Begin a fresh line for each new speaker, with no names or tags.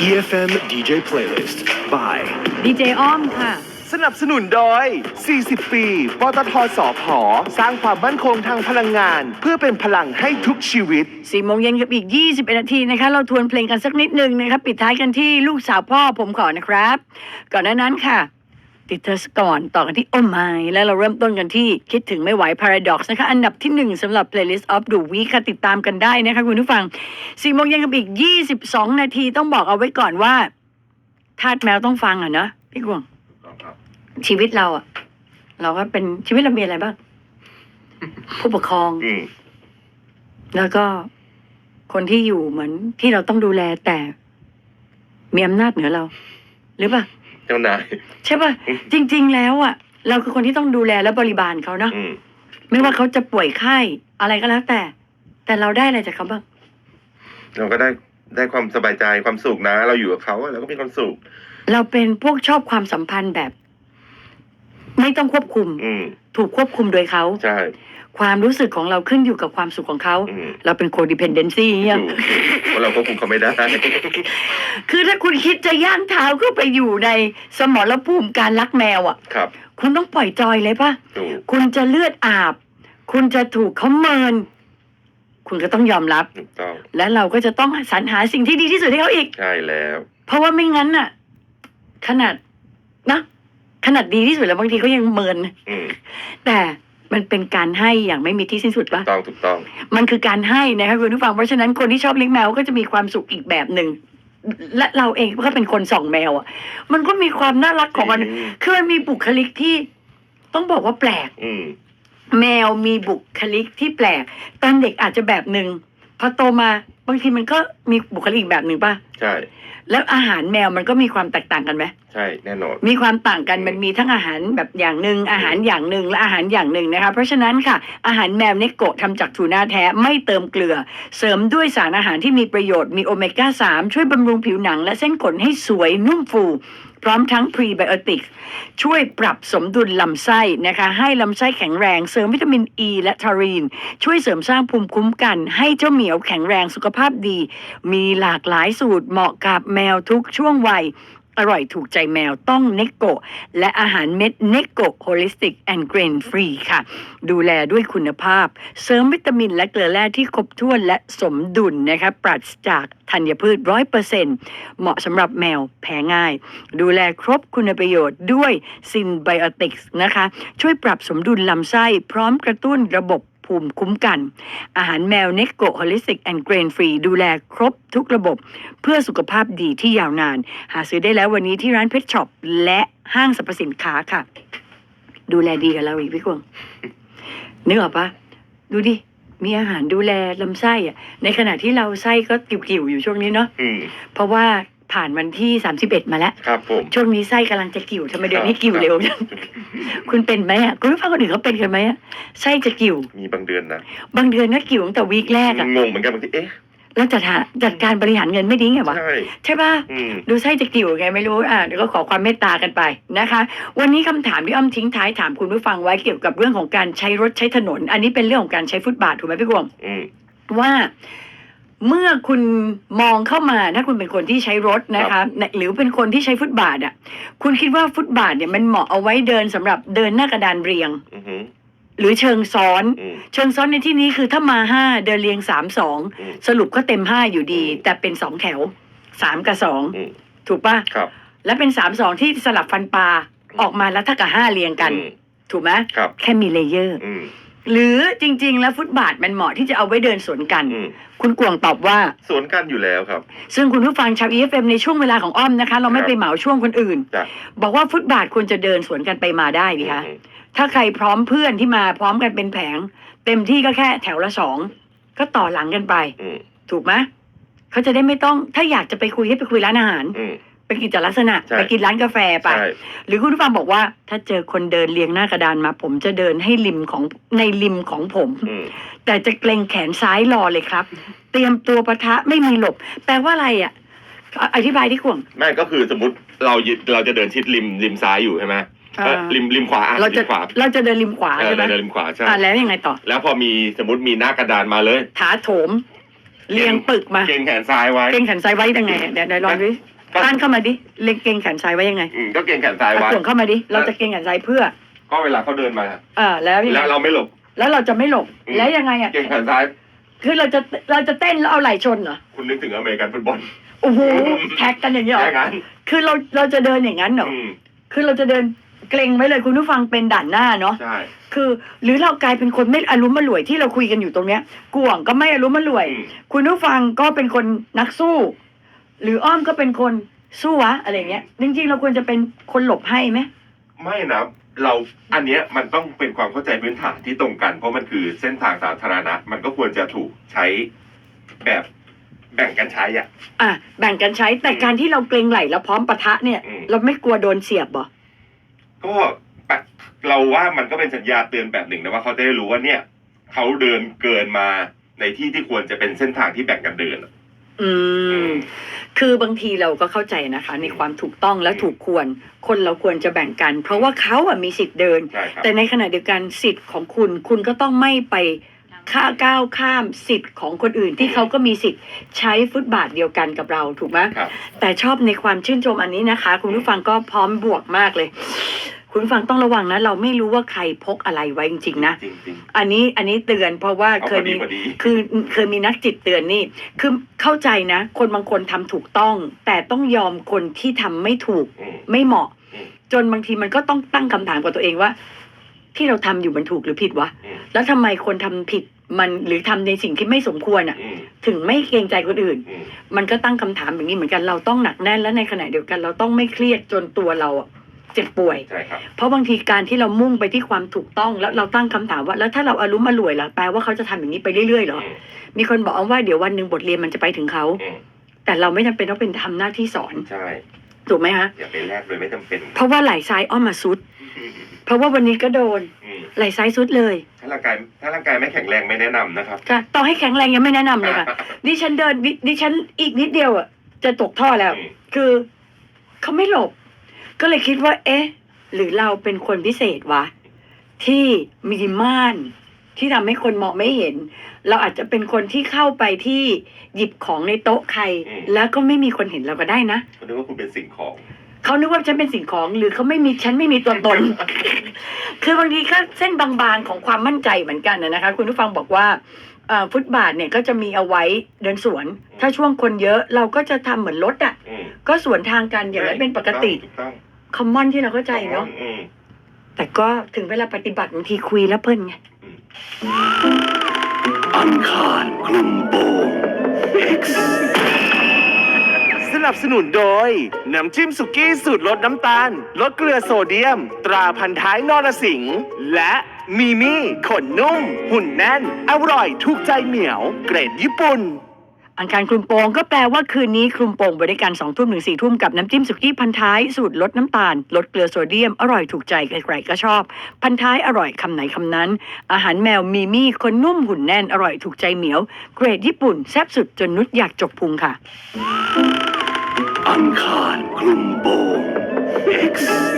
EFM DJ Playlist by
ดีเจอ้อมค่ะ
สนับสนุนโดย 40 ปี ปตท.สผ.สร้างความมั่นคงทางพลังงานเพื่อเป็นพลังให้ทุกชีวิต
4 โมงเย็นกับอีก 21 นาทีนะคะ เราทวนเพลงกันสักนิดนึงนะครับ ปิดท้ายกันที่ลูกสาวพ่อผมขอนะครับ ก่อนหน้านั้นค่ะ ติดเธอสก่อนต่อกันที่โอ้ไม่แล้วเราเริ่มต้นกันที่คิดถึงไม่ไหว Paradox นะคะอันดับที่ 1สำหรับ Playlist of the Week ค่ะติดตามกันได้นะคะคุณผู้ฟัง 4 โมงเย็นกับอีก 22 นาทีต้องบอกเอาไว้ก่อนว่าทาสแมวต้องฟังอ่ะนะพี่กวงชีวิตเราอ่ะเราก็เป็นชีวิตเรามีอะไรบ้าง ผู้ปกครองแล้วก็คนที่อยู่เหมือนที่เราต้องดูแลแต่มีอำนาจเหนือเราหรือเปล่า
เจ้านาย
ใช่ป่ะจริงๆแล้วอ่ะเราคือคนที่ต้องดูแลและบริบาลเขาเนาะไม่ว่าเขาจะป่วยไข้อะไรก็แล้วแต่เราได้อะไรจากเขาบ้าง
เราก็ได้ความสบายใจความสุขนะเราอยู่กับเขาเราก็มีความสุข
เราเป็นพวกชอบความสัมพันธ์แบบไม่ต้องควบคุมถูกควบคุมโดยเขา
ใช่
ความรู้สึกของเราขึ้นอยู่กับความสุขของเขาเราเป็นโคดิเพนเดนซี่เนี่ย
เพราะเราควบคุมเขาไม่ได้
คือถ้าคุณคิดจะย่างเท้าเข้าไปอยู่ในสมรภูมิการรักแมวอ่ะ
ครับ
คุณต้องปล่อยจอยเลยป่ะคุณจะเลือดอาบคุณจะถูกเขาเมินคุณก็ต้องยอมรับและเราก็จะต้องสรรหาสิ่งที่ดีที่สุดให้เขาอีก
ใช่แล้ว
เพราะว่าไม่งั้นน่ะขนาดดีที่สุดแล้วบางทีเขายังเมินแต่มันเป็นการให้อย่างไม่มีที่สิ้นสุดปะ
ถูกต้อง
มันคือการให้นะคะคุณผู้ฟังเพราะฉะนั้นคนที่ชอบเลี้ยงแมวก็จะมีความสุขอีกแบบหนึ่งและเราเองก็เป็นคนส่องแมวอ่ะมันก็มีความน่ารักของมันคือมันมีบุคลิกที่ต้องบอกว่าแปลกแมวมีบุคลิกที่แปลกตอนเด็กอาจจะแบบหนึ่งพอโตมาบางทีมันก็มีบุคลิกอีกแบบหนึ่งป่ะ
ใช่
แล้วอาหารแมวมันก็มีความแตกต่างกันไหม
ใช่แน่นอน
มีความต่างกันมันมีทั้งอาหารแบบอย่างหนึ่งอาหารอย่างหนึ่งและอาหารอย่างหนึ่งนะคะเพราะฉะนั้นค่ะอาหารแมวเนโกะทำจากทูน่าแท้ไม่เติมเกลือเสริมด้วยสารอาหารที่มีประโยชน์มีโอเมก้า3ช่วยบำรุงผิวหนังและเส้นขนให้สวยนุ่มฟูพร้อมทั้งพรีไบโอติกช่วยปรับสมดุลลำไส้นะคะให้ลำไส้แข็งแรงเสริมวิตามินอ e ีและทารีนช่วยเสริมสร้างภูมิคุ้มกันให้เจ้าเหมียวแข็งแรงสุขภาพดีมีหลากหลายสูตรเหมาะกับแมวทุกช่วงวัยอร่อยถูกใจแมวต้องเนโกะและอาหารเม็ดเนโกะโฮลิสติกแอนด์เกรนฟรีค่ะดูแลด้วยคุณภาพเสริมวิตามินและเกลือแร่ที่ครบถ้วนและสมดุลนะคะปราศจากธัญพืช 100% เหมาะสำหรับแมวแพ้ง่ายดูแลครบคุณประโยชน์ด้วยซินไบโอติกส์นะคะช่วยปรับสมดุลลำไส้พร้อมกระตุ้นระบบภูมิคุ้มกันอาหารแมวเนโกะโฮลิสติกแอนด์เกรนฟรีดูแลครบทุกระบบเพื่อสุขภาพดีที่ยาวนานหาซื้อได้แล้ววันนี้ที่ร้านเพชรช็อปและห้างสรรพสินค้าค่ะดูแลดีกับเราอีกพี่กวงนึกออกปะดูดิมีอาหารดูแลลำไส้อะในขณะที่เราไส้ก็กิ่วๆอยู่ช่วงนี้เนาะเพราะว่าผ่านวันที่31มาแล้ว
ครับผม
ช่วงนี้ไส้กำลังจะกิ่วทำไมเดือนนี้กิ่วเร็วจังคุณเป็นไหมอ่ะคุณรู้ป่ะคนอื่นเขาเป็นกันไหมอ่ะไส้จะกิ่ว
มีบางเดือนนะ
บางเดือนก็กิ่วตั้งแต่วีคแรกอ่ะ
งงเหมือนกันบางที
แล้วจัดการบริหารเงินไม่ดีไงวะใช่ป่ะดูไส้จะกิ่วไงไม่รู้เดี๋ยวก็ขอความเมตตากันไปนะคะวันนี้คำถามที่อ้อมทิ้งท้ายถามคุณผู้ฟังไว้เกี่ยวกับเรื่องของการใช้รถใช้ถนนอันนี้เป็นเรื่องของการใช้ฟุตบาทถูกไหมพี่กวงว่าเมื่อคุณมองเข้ามาถ้าคุณเป็นคนที่ใช้รถนะคะหรือเป็นคนที่ใช้ฟุตบาทอ่ะคุณคิดว่าฟุตบาทเนี่ยมันเหมาะเอาไว้เดินสำหรับเดินหน้ากระดานเรียงหรือเชิงซ้อนเชิงซ้อนในที่นี้คือถ้ามา5เดินเรียง3-2สรุปก็เต็ม5อยู่ดีแต่เป็น2แถว3กับ2ถูกป่ะและเป็น3-2ที่สลับฟันปลาออกมาแล้วถ้ากับ5เรียงกันถูกไหมแค่มีเลเยอร์หรือจริงๆแล้วฟุตบาทมันเหมาะที่จะเอาไว้เดินสวนกันคุณกวงตอบว่า
สวนกันอยู่แล้วครับ
ซึ่งคุณผู้ฟังชาว EFM ในช่วงเวลาของอ้อมนะคะเราไม่ไปเหมาช่วงคนอื่นบอกว่าฟุตบาทควรจะเดินสวนกันไปมาได้ดิคะถ้าใครพร้อมเพื่อนที่มาพร้อมกันเป็นแผงเต็มที่ก็แค่แถวละ2ก็ต่อหลังกันไปถูกไหมเขาจะได้ไม่ต้องถ้าอยากจะไปคุยให้ไปคุยร้านอาหารไปกินจัดลักษณะไปกินร้านกาแฟไปหรือคุณผู้ฟังบอกว่าถ้าเจอคนเดินเรียงหน้ากระดานมาผมจะเดินให้ริมของผมแต่จะเกรงแขนซ้ายรอเลยครับเตรียมตัวปะทะไม่มีหลบแปลว่าอะไรอ่ะอธิบายที่กวง
ไม่ก็คือสมมติเราจะเดินชิดริมซ้ายอยู่ใช่ไหมริมขวา
เราจะเดินริมขวาใช่ไหม
เดินริมขวาใช่
แล้วยังไงต่อ
แล้วพอมีสมมติมีหน้ากระดานมาเลย
ถาโถมเรียงปึกมา
เกรงแขนซ้ายไว้
เกรงแขนซ้ายไว้ยังไงเดี๋ยวลองดิ
ก็
ต้านเข้ามาดิเล็งเกรงแขนซ้ายไว้ยังไง
ก็เกรงแขนซ้าย
อ่ะ
ไว้
ถ่วงเข้ามาดิเราจะเกรงแขนซ้ายเพื่อ
ก็เวลาเขาเดินมา
แล้วยังไง
แล้วเราไม่หลบ
แล้วเราจะไม่หลบแล้วยังไงอ่ะ
เกรงแขนซ้าย
คือเราจะเต้นแล้วเอาไหล่ชนเหรอ
คุณนึกถึงอเมริกันฟุตบอล
โอ้โหแท็กกันอย่างนี้เหรอ
แค่นั้น
คือเราจะเดินอย่างนั้นเหรอ
อืม
คือเราจะเดินเกรงไว้เลยคุณผู้ฟังเป็นด่านหน้าเนาะ
ใช่
คือหรือเรากลายเป็นคนไม่อารมณ์มารวยที่เราคุยกันอยู่ตรงเนี้ยกวางก็ไม่อารมณ์มารวย
อืม
คุณผู้ฟังก็เป็นคนนักสู้ หรืออ้อมก็เป็นคนสู้วะอะไรเงี้ยจริงๆเราควรจะเป็นคนหลบให้ไหม
ไม่นะเราอันเนี้ยมันต้องเป็นความเข้าใจพื้นฐานที่ตรงกัน เพราะมันคือเส้นทางสาธารณะ มันก็ควรจะถูกใช้แบบแบ่งกันใช้อ่ะ
แบ่งกันใช้แต่การที่เราเกรงไหลแล้วพร้อมปะทะเนี่ย
อืม
เราไม่กลัวโดนเสียบเหรอ
ก็เราว่ามันก็เป็นสัญญาณเตือนแบบหนึ่งนะว่าเขาจะได้รู้ว่าเนี่ยเขาเดินเกินมาในที่ที่ควรจะเป็นเส้นทางที่แบ่งกันเดินอะ
อืม คือบางทีเราก็เข้าใจนะคะ ในความถูกต้องและถูกควร คนเราควรจะแบ่งกัน เพราะว่าเขาอะมีสิทธิ์เดิน
ใช่ครับ
แต่ในขณะเดียวกันสิทธิ์ของคุณก็ต้องไม่ไปก้าวข้ามสิทธิ์ของคนอื่นที่เขาก็มีสิทธิ์ใช้ฟุตบาทเดียวกันกับเราถูกไหม
ครับ
แต่ชอบในความชื่นชมอันนี้นะคะ คุณผู้ฟังก็พร้อมบวกมากเลย คุณผู้ฟังต้องระวังนะ เราไม่รู้ว่าใครพกอะไรไว้จริงๆนะ
จริง
อันนี้เตือนเพราะว่า
เอา
เคยมี
พอดี
เคยมีนักจิตเตือนนี่คือเข้าใจนะ คนบางคนทำถูกต้อง แต่ต้องยอมคนที่ทำไม่ถูก
อืม
ไม่เหมาะ
อืม
จนบางทีมันก็ต้องตั้งคำถามกับตัวเองว่า ที่เราทำอยู่มันถูกหรือผิดวะ
อืม
แล้วทำไมคนทำผิดมันหรือทำในสิ่งที่ไม่สมควรอ่ะ
อืม
ถึงไม่เกรงใจคนอื่น
อืม
มันก็ตั้งคำถามอย่างนี้เหมือนกันเราต้องหนักแน่นและในขณะเดียวกัน เราต้องไม่เครียดจนตัวเราอะเจ็บป่วย
ใช่ครับ
เพราะบางทีการที่เรามุ่งไปที่ความถูกต้องแล้วเราตั้งคำถามว่าแล้วถ้าเราอารุมอร่วยล่ะแปลว่าเขาจะทำอย่างนี้ไปเรื่อยๆเหรอ
อืม
มีคนบอกว่าเดี๋ยววันหนึ่งบทเรียนมันจะไปถึงเขา
อืม
แต่เราไม่จำเป็นต้องเป็นทำหน้าที่สอน
ใช่
ถูกไหมฮะ
อย่าไปแลกโดยไม่จำเป็น
เพราะว่าไหล่ซ้ายอ้อมมาซุด เพราะว่าวันนี้ก็โดน
อืม
ไหล่ซ้ายซุดเลย
ถ้าร่างกายไม่แข็งแรงไม่แนะนำนะครับ
ค่ะต่อให้แข็งแรงยังไม่แนะนำเลยค่ะ ดิฉันเดินดิฉันอีกนิดเดียวอ่ะจะตกท่อแล้ว
อืม
คือเขาไม่หลบ ก็เลยคิดว่า เอ๊ะ หรือเราเป็นคนพิเศษวะ ที่มีม่านที่ทำให้คนมองไม่เห็น เราอาจจะเป็นคนที่เข้าไปที่หยิบของในโต๊ะใคร แล้วก็ไม่มีคนเห็นเราก็ได้นะ
เขาคิดว่าคุณเป็นสิ่งของ
เขานึกว่าฉันเป็นสิ่งของหรือเขาไม่มีฉันไม่มีตัวตน คือบางทีก็เส้นบางๆของความมั่นใจเหมือนกันนะคะ คุณผู้ฟังบอกว่าฟุตบาทเนี่ยก็จะมีเอาไว้เดินสวน ถ้าช่วงคนเยอะเราก็จะทำเหมือนรถอ่ะ
อืม
ก็สวนทางกันอย่างนั้นเป็นปกติ
ถูกต้อง
คอมมอนที่เราเข้าใจเนาะ
อืม
แต่ก็ถึงเวลาปฏิบัติบางทีคุยแล้วเพิ่นไง
อังคารคลุมโปง X
สนับสนุนโดย น้ำจิ้มสุกี้สูตรลดน้ำตาล ลดเกลือโซเดียม ตราพันท้ายนรสิงห์และมีมี่ขนนุ่ม หุ่นแน่น อร่อยถูกใจเหมียว เกรดญี่ปุ่น
อังคารคลุมโปงก็แปลว่าคืนนี้คลุมโปงบริการ2 ทุ่มถึง4 ทุ่มกับน้ำจิ้มสุกี้พันท้ายสูตรลดน้ำตาล ลดเกลือโซเดียมอร่อยถูกใจใครๆก็ชอบ พันท้ายอร่อยคำไหนคำนั้น อาหารแมวมีมี่คนนุ่มหุ่นแน่นอร่อยถูกใจเหมียว เกรดญี่ปุ่นแซ่บสุดจนนุชอยากจกพุงค่ะ
อังคารคลุมโปง X